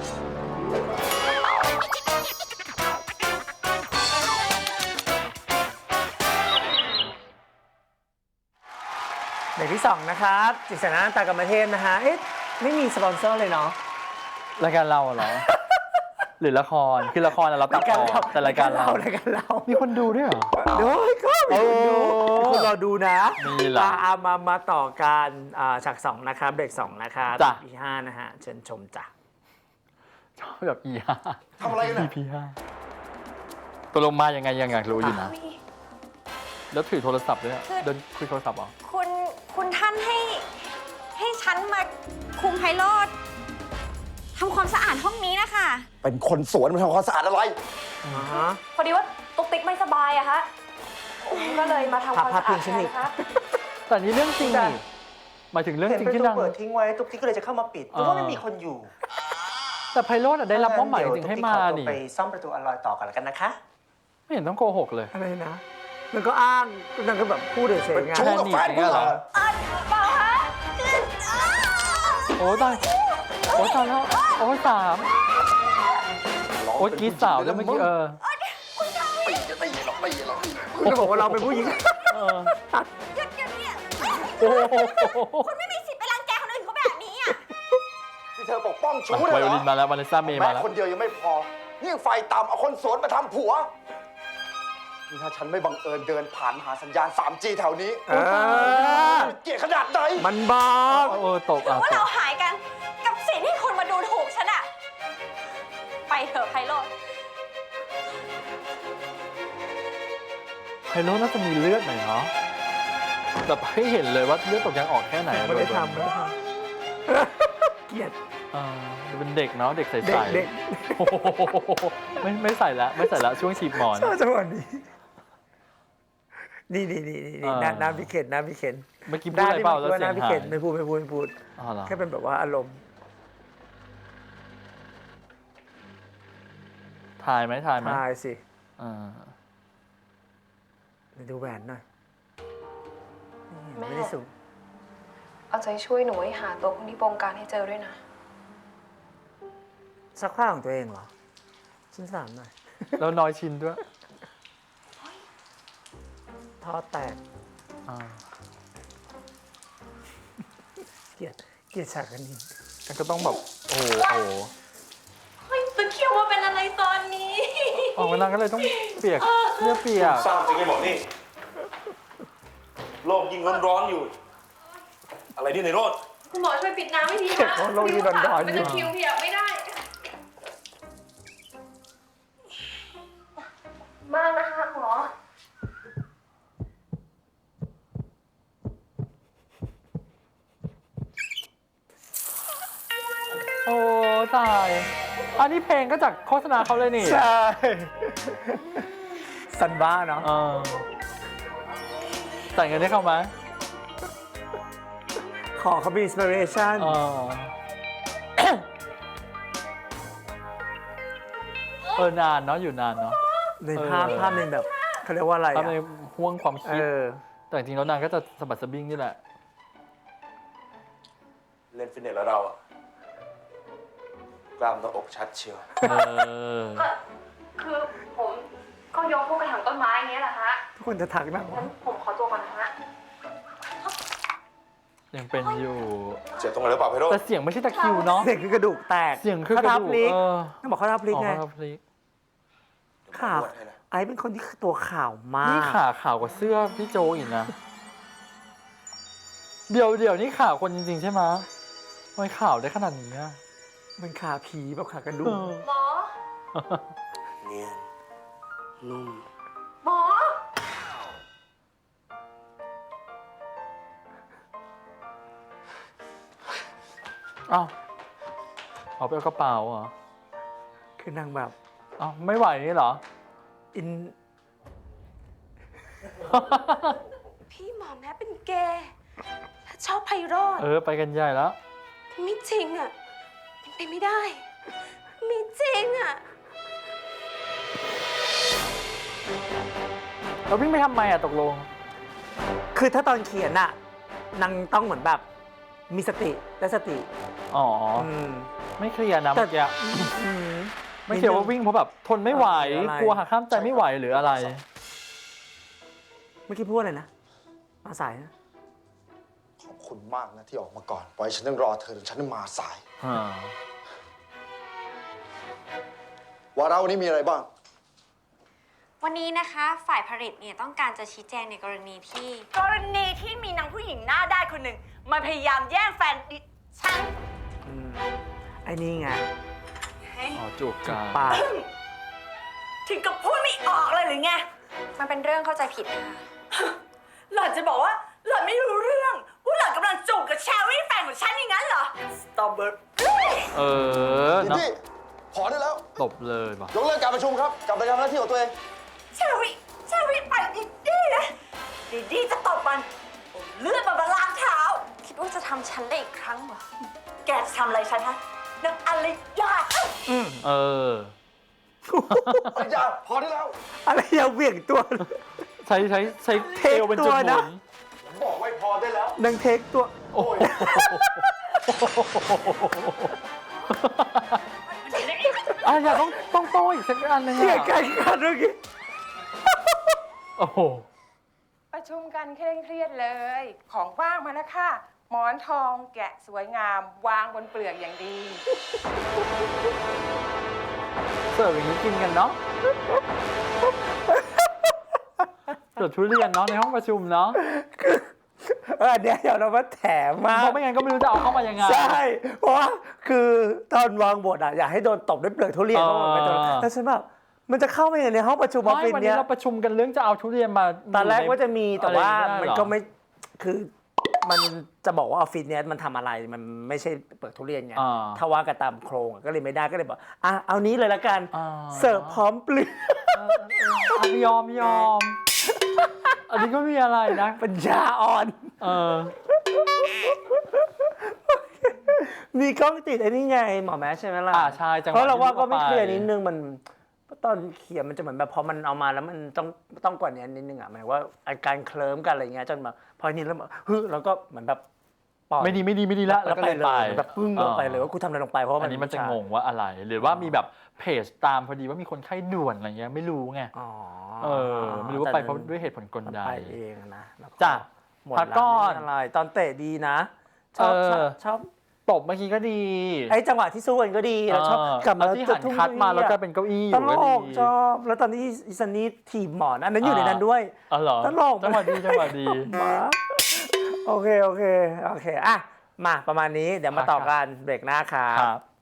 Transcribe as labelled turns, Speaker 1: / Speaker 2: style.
Speaker 1: เบรกที่2นะครับจิตรสนาตากรรมเทพนะฮะเอ๊ะไม่มีสปอนเซอร์เลยเนาะ
Speaker 2: รายการเราเหรอ หรือละครคือละครเราตัดต่อแต่รายการเรามีคนดูด้วยเหรอ
Speaker 1: เดี๋ยวก็มีคนดูคุณรอดูนะ
Speaker 2: มีเหรอ
Speaker 1: มาต่อการฉาก2นะครับเบรก2นะครับ
Speaker 2: จ้ะ
Speaker 1: EP 5นะฮะเชิญชมจ้ะ
Speaker 2: ชอบแบบ E5
Speaker 3: ทำอะไรกัน
Speaker 2: EP5 ตัวลงมายังไงยังอยากรู้อยู่นะ แล้วถือโทรศัพท์ด้วยอะเดินคุยโทรศัพท์เหรอ
Speaker 4: คุณท่านให้ฉันมาคุมไพโรธทำความสะอาดห้องนี้นะคะ
Speaker 3: เป็นคนสวนมาทำความสะอาดอะไร
Speaker 4: พอดีว่าตุ๊กติ๊กไม่สบายอะคะก็เลยมาทำความสะอาดแทนนะคะ
Speaker 2: แต่นี่เรื่องจริงนี่หมายถึงเรื่องจริงที่นาง
Speaker 1: เปิดทิ้งไว้ตุ๊กติ๊กก็เลยจะเข้ามาปิดเพราะว่าไม่มีคนอยู่
Speaker 2: แต่ไพโรจน์อะได้รับมอบหมายจริงให้มา
Speaker 1: เดี๋ยวตุ๊กติ๊กขอตัว
Speaker 2: นี่
Speaker 1: ไปซ่อมประตูอลอยต่อกันแล้วกันนะคะ
Speaker 2: ไม่เห็นต้องโกหกเลย
Speaker 1: อะไรนะมันก็อ้างนั่นก็แบบพูดเฉยๆไง
Speaker 3: ชู้กับแฟนกูเหรอ
Speaker 4: เปล่าคะ
Speaker 2: โอ้ตายโอ้ตายแล้วโอ้สามโอ้กรีดสาวแล้วเมื่อกี้
Speaker 3: ไม่
Speaker 1: คุณจะบอกว่าเราเป็นผู้หญิง
Speaker 4: หยุดเนี่ย
Speaker 2: โอ้โห
Speaker 4: คุณไม่มีสิทธิ์ไปรังแกคนอื่นเขาแบบนี้อะ
Speaker 3: ที่เธอปกป้องชู้
Speaker 2: ไว
Speaker 3: เลย
Speaker 2: โอ
Speaker 3: เหร
Speaker 2: ลิ
Speaker 3: อน
Speaker 2: มาแล้ววานิสซ่าเมย์
Speaker 3: แม่
Speaker 2: มาแล้ว
Speaker 3: คนเดียวยังไม่พอนี่ยังไฟต่ำเอาคนสวนมาทำผัวนี่ถ้าฉันไม่บังเอิญเดินผ่านหาสัญญาณ 3G แถวนี้เกลียดขนาดไหน
Speaker 1: มันบอก
Speaker 2: ตก
Speaker 4: หรือว่า
Speaker 2: ต
Speaker 4: เรา
Speaker 2: ก
Speaker 4: หายกันกับสิ่งที่คุณมาดูถูกฉันอะไปเถอะไพโรธ
Speaker 2: ไพโรจน์น่าจะมีเลือดหน่อยเนาะแบบให้เห็นเลยว่าเลือดตกยังออกแค่ไหน
Speaker 1: ไม่ได้ทำเกลียด
Speaker 2: เป็นเด็กเนาะเด็กใส
Speaker 1: เด็ก
Speaker 2: ๆโอ้โหไม่ใส่ละไม่ใส่ละช่วงฉีบหมอน
Speaker 1: ชอบจังหวะนี้นี่น้ำพิเข็นน้ำพิเข็น
Speaker 2: เมื่อกี้พูดอะไรเปล่าแล้วเสียง
Speaker 1: น้ำพิ
Speaker 2: หา
Speaker 1: เข็
Speaker 2: ย
Speaker 1: นไม่พูด
Speaker 2: อ๋อเหรอ
Speaker 1: แค่เป็นแบบว่าอารมณ์
Speaker 2: ถ่ายไหม
Speaker 1: ทายสิ
Speaker 2: อ่า
Speaker 1: ดูแหวนหน่อย
Speaker 5: แม่
Speaker 1: ไม่ได้สูง
Speaker 5: เอาใจช่วยหนูให้หาตัวคนที่บงการให้เจอด้วยนะ
Speaker 1: ซักผ้าของตัวเองเหรอชิ้นสามหน่อย
Speaker 2: แล้วน้อยชิ้นด้วย
Speaker 1: ท่อแตก
Speaker 2: อ่า
Speaker 1: เกลียดฉากกันนี้
Speaker 2: แล้วก็ต้องแบบโอ้โห
Speaker 4: เฮ้ยตะเคียวมาเป็นอะไรตอนนี้
Speaker 2: ออกมานางก็เลยต้องเปียกเสื้อเปียก
Speaker 6: สร้างจริงไอ้บอกนี่ โลกยิ่งร้อนๆอยู่ อะไรนี่ในโรด
Speaker 5: คุณหมอช่วยปิดน้ำให้ที
Speaker 1: เก็บของโลกที่ร้อนๆอยู่
Speaker 5: เป็นตะคริวเปียกไม่ได้ มากนะคะคุณหมอ
Speaker 2: โอ้ตายอันนี้เพลงก็จากโฆษณาเขาเลยนี่
Speaker 1: ใช่ซันบ้าเนาะ
Speaker 2: เออแต่งเงินให้เขาไหม
Speaker 1: ขอเขามีอินสปิเรชัน
Speaker 2: นานเนาะอยู่นานเนาะ
Speaker 1: ในภาพหนึ่งแบบเขาเรียกว่าอะไร
Speaker 2: ทำในห่วงความคิด
Speaker 1: อ
Speaker 2: แต่จริงๆแล้วนางก็จะสะบัดสะบิ้งนี่แหละ
Speaker 6: เล่นฟิตเนสแล้วเราอะกล้ามหน้าอกชัดเชียว
Speaker 5: คือผมก็ยกพวกกระถางต้นไม้อย่างเงี้ยแหละฮะ
Speaker 1: ทุกคนจะทักนะ
Speaker 5: งั้นผมขอตัวก่อนนะฮะ
Speaker 2: ยังเป็นอยู่
Speaker 6: เจ็บตรงไหนหรือเปล่าไพโรจ
Speaker 2: แต่
Speaker 6: น์
Speaker 2: เสียงไม่ใช่ตะคริวเนาะ
Speaker 1: เสียงคือกระดูกแตก
Speaker 2: เสียงคือกระดูก
Speaker 1: ข้าทับพลิกต้องบอกข้าทับพลิก
Speaker 2: อ๋อ
Speaker 1: ไง
Speaker 2: ครับพลิก
Speaker 1: ข่าวไอ้เป็นคนที่ตัวข่าวมาก
Speaker 2: นี่ขาขาวกว่าเสื้อพี่โจอีกนะ เดี๋ยวนี่ข่าวคนจริงๆใช่ไหมทำไมข่าวได้ขนาดนี้อะ
Speaker 1: มันขาผีแบบขากระดูก
Speaker 5: หมอ
Speaker 6: เนียนนุ่ม
Speaker 5: หมอ
Speaker 2: อ้าวเอาไปเอากระเป๋าเหรอ
Speaker 1: คือนางแบบ
Speaker 2: อ้าวไม่ไหวนี่เหรอ
Speaker 1: อิน
Speaker 4: พี่หมอแม้เป็นเกย์และชอบไพโรธ
Speaker 2: ไปกันใหญ่แล้ว
Speaker 4: ไม่จริงอะเป็นไปไม่ได้ไม่จริงอะ
Speaker 2: เราวิ่งไปทำไมอะตกลง
Speaker 1: คือถ้าตอนเขียนน่ะนางต้องเหมือนแบบมีสติและสติ
Speaker 2: อ๋อ
Speaker 1: อืม
Speaker 2: ไม่เคลียร์นะ
Speaker 1: แต่
Speaker 2: เมื่อกี้
Speaker 1: อืม
Speaker 2: ไม่เคลียร์ว่าวิ่งเพราะแบบทนไม่ไหว
Speaker 1: หรืออะไร
Speaker 2: กลัวหักข้ามใจไม่ไหวหรืออะไร
Speaker 1: เมื่อกี้พูดอะไรนะมาสายนะ
Speaker 3: ขอบคุณมากนะที่ออกมาก่อน ปล่อยฉันต้องรอเธอจนฉันมาสาย ว่าเราวันนี้มีอะไรบ้าง
Speaker 4: วันนี้นะคะฝ่ายผลิตเนี่ยต้องการจะชี้แจงในกรณีที่
Speaker 7: กรณีที่มีนางผู้หญิงหน้าด้านคนหนึ่งมันพยายามแย่งแฟนดิฉัน
Speaker 1: อืมไอ้นี่ไง
Speaker 2: อ๋อจูบกัน
Speaker 1: ปาก
Speaker 7: ถึงกับพูดไม่ออกเลยหรือไง
Speaker 4: มันเป็นเรื่องเข้าใจผิดนะคะ
Speaker 7: หล่อนจะบอกว่าหล่อนไม่รู้เรื่องว่าหล่อนกำลังจูบกับแชร์รี่แฟนของฉันอย่างนั้นเหรอ สตรอเบอร์
Speaker 2: เออ
Speaker 3: ดิ
Speaker 2: เนาะ
Speaker 3: ดี้พอได้แล้ว
Speaker 2: ตบเลยว่ะ
Speaker 3: ยกเลิกการประชุมครับ กลับไปทำหน้าที่ของตัวเอง
Speaker 7: แชร์รี่ไปดิดี้นะดิดี้จะตบมันเอาเลือดมันมาล้างเท้า
Speaker 4: คิดว่าจะทำฉันได้อีกครั้งเหรอ
Speaker 7: แกจะทำอะไรฉันฮะนางอะไรยา
Speaker 2: เออ
Speaker 3: อย่าพอได้แล้ว
Speaker 1: อะไรอย่าเหวี่ยงตัว
Speaker 2: ใช้
Speaker 1: เท
Speaker 2: เท
Speaker 1: ค
Speaker 2: ลเป็นจุด
Speaker 1: ตัว
Speaker 2: หมุ
Speaker 1: นะ
Speaker 2: น
Speaker 3: ผมบอกไว้พอได้แล้ว
Speaker 1: นางเทคตัว
Speaker 2: โอ้โหอย่าต้องโต้อีกสักอันเลย
Speaker 1: เสีย
Speaker 2: อะ
Speaker 1: กันกันเมื่อกี้
Speaker 2: โอ้โห
Speaker 8: ประชุมกันเคร่งเครียดเลย ของว่างมาแล้วค่ะ หมอนทองแกะสวยงาม วางบนเปลือกอย่างดี
Speaker 2: เสิร์ฟอย่างนี้กินกันเนาะเสิร์ฟทุเรียนเนาะในห้องประชุมเนาะ
Speaker 1: เดี๋ยวเรามาแถมมา
Speaker 2: เพราะไม่งั้นก็ไม่รู้จะเอาเข้ามายังไง
Speaker 1: ใช่ เพราะว่าคือตอนวางบทอ่ะอยากให้โดนตบด้วยเปลือกทุเรียน
Speaker 2: เออ
Speaker 1: เพราะมันเป็นตัวแล้วฉันแบบมันจะเข้าไปยังไงในห้องประชุมออฟ
Speaker 2: ไม่
Speaker 1: ฟิศ
Speaker 2: วัน
Speaker 1: เนี้
Speaker 2: นี้
Speaker 1: ย
Speaker 2: เราประชุมกันเรื่องจะเอาทุเรียนมา
Speaker 1: ตอนแรกว่าจะมีแต่ว่า
Speaker 2: อะไร
Speaker 1: มัน
Speaker 2: ไได้หรอ
Speaker 1: ก็ไม่คือมันจะบอกว่าออฟฟิศเนี้ยมันทำอะไรมันไม่ใช่เปลือกทุเรียนไง
Speaker 2: อ่า
Speaker 1: ถ้าว่ากันตามโครงอะก็เลยไม่ได้ก็เลยบอกเอานี้เลยละกัน
Speaker 2: อ่า
Speaker 1: เสิร์ฟพร้อมเปลือก
Speaker 2: ยอมอันนี้ก็มีอะไรนะ
Speaker 1: ปัญญาอ่อน
Speaker 2: เออ
Speaker 1: มีกล้องติดไอ้นี่ไงหมอแม้ใช่ไหมล่ะ
Speaker 2: ใช่จังหวะ
Speaker 1: เพราะเราว่า
Speaker 2: ที่
Speaker 1: ก็ไม่
Speaker 2: ลูกเอาไป
Speaker 1: เคลียร์นิดนึงมันตอนเขียนมันจะเหมือนแบบพอมันเอามาแล้วมันต้องกว่านี้นิดนึงอ่ะหมายว่าอาการเคลิ้มกันอะไรเงี้ยจนมาพอนี้แล้วแบบแล้วก็เหมือนแบบปล่อย
Speaker 2: ไม่ดีละแล้วก็เลย
Speaker 1: เล
Speaker 2: ไป
Speaker 1: ยแบบปึ้งลงไปเลยว่ากูทำอะไรลงไปเพราะว่า
Speaker 2: อันนี้มันจะงงว่าอะไร หรือว่ามีแบบเพจตามพอดีว่ามีคนไข้ด่วนอะไรเงี้ยไม่รู้ไง
Speaker 1: อ๋อ
Speaker 2: ไม่รู้ว่าไปเพราะด้วยเหตุผลกลใด
Speaker 1: ไปเองนะแล้ว
Speaker 2: จ้ะ
Speaker 1: หมด
Speaker 2: พัก
Speaker 1: แล้ว
Speaker 2: ก่อน
Speaker 1: ไม่มีอะไรตอนเตะดีนะชอบ ชอบ
Speaker 2: ตบเมื่อกี้ก็ดี
Speaker 1: ไอ้จังหวะที่สู้กันก็ดีแล้วชอบกลับมา
Speaker 2: แล้วที่หันคัดมาแล้วก็เป็นเก้าอี้อ
Speaker 1: ต
Speaker 2: ยู่
Speaker 1: ล
Speaker 2: ก็ดี
Speaker 1: กชอบ แล้วตอนที่อิซันนี่ถีบหมอนอันนั้นอยู่ในนั้นด้วย
Speaker 2: อ๋อเหรอ
Speaker 1: ตลก
Speaker 2: จังหวะดี
Speaker 1: มาโอเคอ่ะ มาประมาณนี้เดี๋ยวมาต่อกันเบรกหน้าครับ